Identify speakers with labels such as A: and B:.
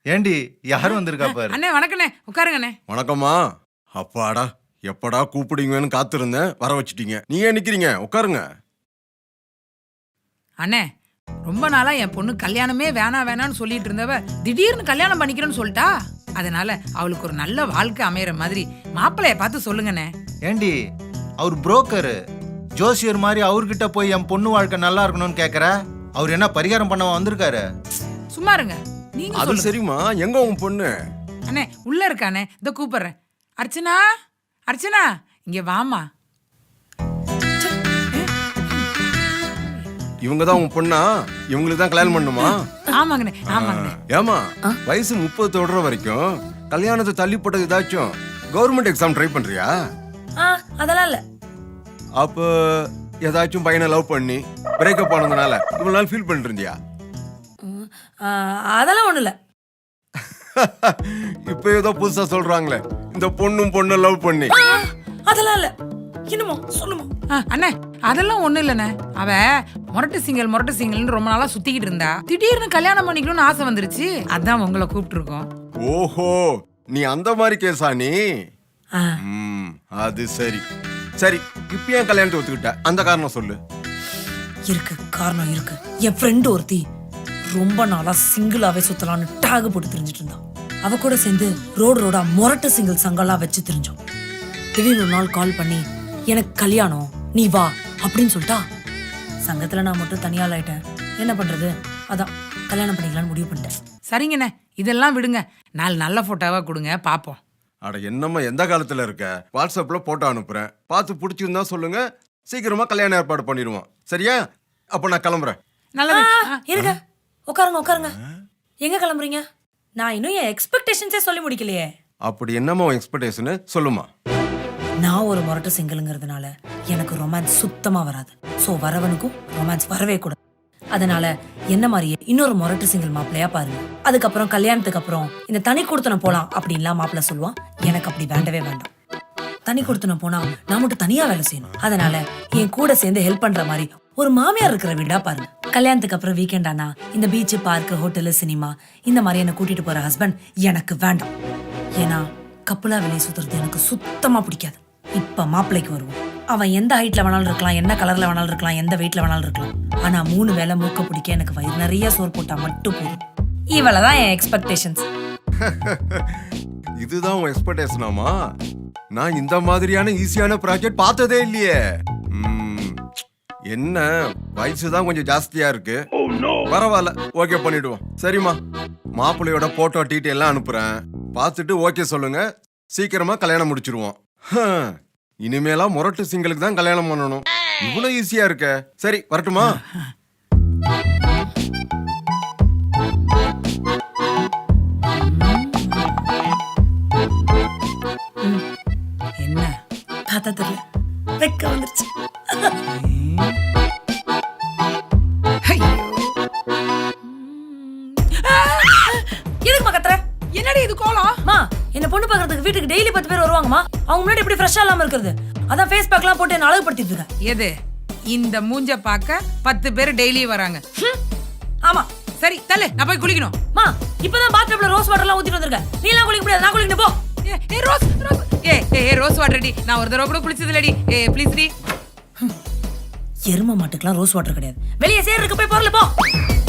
A: ஏண்டி யாரும் வந்திருக்கா பாரு.
B: அண்ணே வணக்கண்ணே, உட்காருங்கண்ணே.
C: வணக்கம்மா. அப்பாடா, எப்படா கூப்பிடுங்கன்னு காத்திருந்தேன், வர வச்சுட்டீங்க. நீங்க நிக்கிறீங்க, உட்காருங்க.
B: அண்ணே, ரொம்ப நாளா என் பொண்ணு கல்யாணமே வேணான்னு சொல்லிட்டு இருந்தவ திடீர்னு கல்யாணம் பண்ணிக்கிறேன்னு சொல்லிட்டா. அதனால அவளுக்கு ஒரு நல்ல வாழ்க்கை அமையற மாதிரி மாப்பிள்ளைய பார்த்து சொல்லுங்கண்ணே.
A: ஏண்டி அவர் புரோக்கரு, ஜோசியர் மாதிரி அவர்கிட்ட போய் என் பொண்ணு வாழ்க்கை நல்லா இருக்கணும்னு கேக்குற? அவர் என்ன பரிகாரம் பண்ண வந்திருக்காரு?
B: சும்மா இருங்க, நீங்க
C: அது
B: சொல்லுங்க.
C: சரிம்மா, எங்க உங்க பொண்ணு?
B: அண்ணே உள்ள இருக்கானே, இதோ கூப்பிடுறேன். அர்ச்சனா, அர்ச்சனா இங்க வாமா.
C: இவங்க தான் உங்க பொண்ணா? இவங்களுக்கு தான் கல்யாணம் பண்ணுமா?
B: ஆமாங்கண்ணே, ஆமாங்கண்ணே.
C: ஏமா, வயசு 30 தொடுற வரைக்கும் கல்யாணத்தை தள்ளி போட்டது ஏதாச்சும் கவர்மெண்ட் எக்ஸாம் ட்ரை பண்றியா?
D: அதெல்லாம் இல்ல.
C: அப்ப ஏதாச்சும் பையனை லவ் பண்ணி பிரேக்கப் ஆனதுனால இவ்வளவு நாள் ஃபீல் பண்ணிட்டு இருந்தியா?
D: அதெல்லாம் ஒண்ணு இல்ல.
C: இப்ப ஏதோ புதுசா சொல்றாங்களே, இந்த பொண்ணு லவ் பண்ணி.
D: அதெல்லாம் இல்ல. என்னமோ சொல்லுமா?
B: அண்ணே அதெல்லாம் ஒண்ணு இல்லண்ணே. அவ மொரட்டு சிங்கல்னு ரொம்ப நாளா சுத்திக்கிட்டு இருந்தா. திடீர்னு கல்யாணம் பண்ணிக்கணும்னு ஆசை வந்துருச்சு. அதான் உங்களை கூப்பிட்டு இருக்கோம்.
C: ஓஹோ, நீ அந்த மாதிரி கேஸா நீ? அது சரி சரி. இப்ப ஏன் கல்யாணத்தை ஒத்துக்கிட்ட? அந்த காரணம் சொல்லு.
D: இருக்கு, காரணம் இருக்கு. என் ஃப்ரெண்ட் ஒருத்தி ரொம்ப நாளா சிங்கிளாவே சுத்தலான்னு டாக் போட்டு தெரிஞ்சிட்டு இருந்தான். அவ கூட சேர்ந்து ரோடா மொரட்டு சிங்கிள் சங்கெல்லாம் வச்சு தெரிஞ்சோம். திடீர்னு ஒரு நாள் கால் பண்ணி எனக்கு கல்யாணம், நீ வா அப்படின்னு சொல்லிட்டா. சங்கத்துல நான் மட்டும் தனியால் ஆயிட்டேன். என்ன பண்றது? அதான் கல்யாணம் பண்ணிக்கலாம்னு முடிவு பண்ணிட்டேன்.
B: சரிங்கண்ணே, இதெல்லாம் விடுங்க. 4 நல்ல போட்டோவா கொடுங்க பாப்போம்.
C: அட என்னம்மா, எந்த காலத்துல இருக்க? வாட்ஸ்அப்ல போட்டோ அனுப்புறேன், பார்த்து பிடிச்சிருந்தா சொல்லுங்க, சீக்கிரமா கல்யாணம் ஏற்பாடு பண்ணிடுவோம். சரியா? அப்ப நான் கிளம்புறேன்.
B: நல்லது.
D: இருங்க, உட்காருங்க. எங்க கிளம்புறீங்க? நான் இன்னும் என் எக்ஸ்பெக்டேஷன்ஸே சொல்லி முடிக்கலையே.
C: அப்படி என்னம்மா எக்ஸ்பெக்டேஷன் சொல்லுமா?
D: நான் ஒரு மொரட்டு சிங்கிள்ங்கிறதுனால எனக்கு ரொமான்ஸ் சுத்தமா வராது. சோ வரவனுக்கும் ரொமான்ஸ் வரவே கூடாது. அதனால என்ன மாதிரியே இன்னொரு மொரட்டு சிங்கிள் மாப்பிள்ளையா பாருங்க. அதுக்கப்புறம் கல்யாணத்துக்கு அப்புறம் இந்த தனி கொடுத்தனம் போலாம் அப்படின்லாம் மாப்பிள்ள சொல்லுவான். எனக்கு அப்படி வேண்டவே வேண்டாம். தனி கொடுத்தனம் போனா நான் மட்டும் தனியா வேலை செய்யணும். அதனால என் கூட சேர்ந்து ஹெல்ப் பண்ற மாதிரி ஒரு மாமியார் இருக்கிற வீடா பாருங்க. கல்யாணத்துக்கு அப்புறம் வீக்கெண்ட் ஆனா இந்த பீச், பார்க், ஹோட்டலு, சினிமா இந்த மாதிரி என்ன கூட்டிட்டு போற ஹஸ்பண்ட் எனக்கு வேண்டாம். ஏன்னா கப்பலா வெளியே சுத்துறது எனக்கு சுத்தமா பிடிக்காது. இப்ப மாப்பிள்ளைக்கு வருவோம். அவன் எந்த ஹைட்ல வேணாலும் இருக்கலாம், என்ன கலர்ல வேணாலும் இருக்கலாம், எந்த வெயிட்ல வேணாலும் இருக்கலாம். ஆனா 3 வேளை மூக்க பிடிக்க எனக்கு வயிறு நிறைய சோறு போட்டா மட்டும் போதும். இவ்வளவுதான் என் எக்ஸ்பெக்டேஷன்ஸ்.
C: இதுதான் உன் எக்ஸ்பெக்டேஷனாமா? நான் இந்த மாதிரியான ஈஸியான ப்ராஜெக்ட் பார்த்ததே இல்லையே. என்ன வயசுதான் கொஞ்சம் ஜாஸ்தியா இருக்கு. பரவாயில்ல, ஓகே பண்ணிடுவோம். சரிம்மா, மாப்பிள்ளையோட போட்டோ டீட்டெயில் எல்லாம் அனுப்புறேன், பார்த்துட்டு ஓகே சொல்லுங்க. சீக்கிரமா கல்யாணம் முடிச்சிருவோம். இனிமேலாம் மொரட்டு சிங்களுக்கு தான் கல்யாணம் பண்ணணும். இவ்வளவு ஈஸியா இருக்க. சரி, வரட்டுமா?
B: என்ன
D: பார்த்தா தெரியல, வெக்க வந்துருச்சு. எதுக்குமா கத்துற?
B: என்னடி இது கோலம்?
D: மா, என்ன பொண்ணு பாக்குறதுக்கு வீட்டுக்கு டெய்லி 10 பேர் வருவாங்கம்மா. அவங்க முன்னாடி இப்படி ஃப்ரெஷ்ஷா இல்லாம இருக்கிறது. அதான் ஃபேஸ் பேக்லாம் போட்டு என்ன அழகுபடுத்திட்டு இருக்கேன்.
B: எது இந்த மூஞ்ச பார்க்க 10 பேர் டெய்லி வராங்க.
D: ஆமா.
B: சரி தள்ளு, நான் போய் குளிக்கணும்.
D: மா, இப்பதான் பாத்ரூம்ல ரோஸ் வாட்டர்லாம் ஊத்திட்டு வந்திருக்கேன். நீ எல்லாம் குளிக்க முடியாது, நான் குளிக்கணும் போ.
B: ரோஸ் வாட்டர் டி, நான் ஒரு தடவை கூட குளிச்சது இல்லடி. ப்ளீஸ் டி.
D: எரும மாட்டுக்குலாம் ரோஸ் வாட்டர் கிடையாது. வெளியே சேருக்கு போய் போறல போ.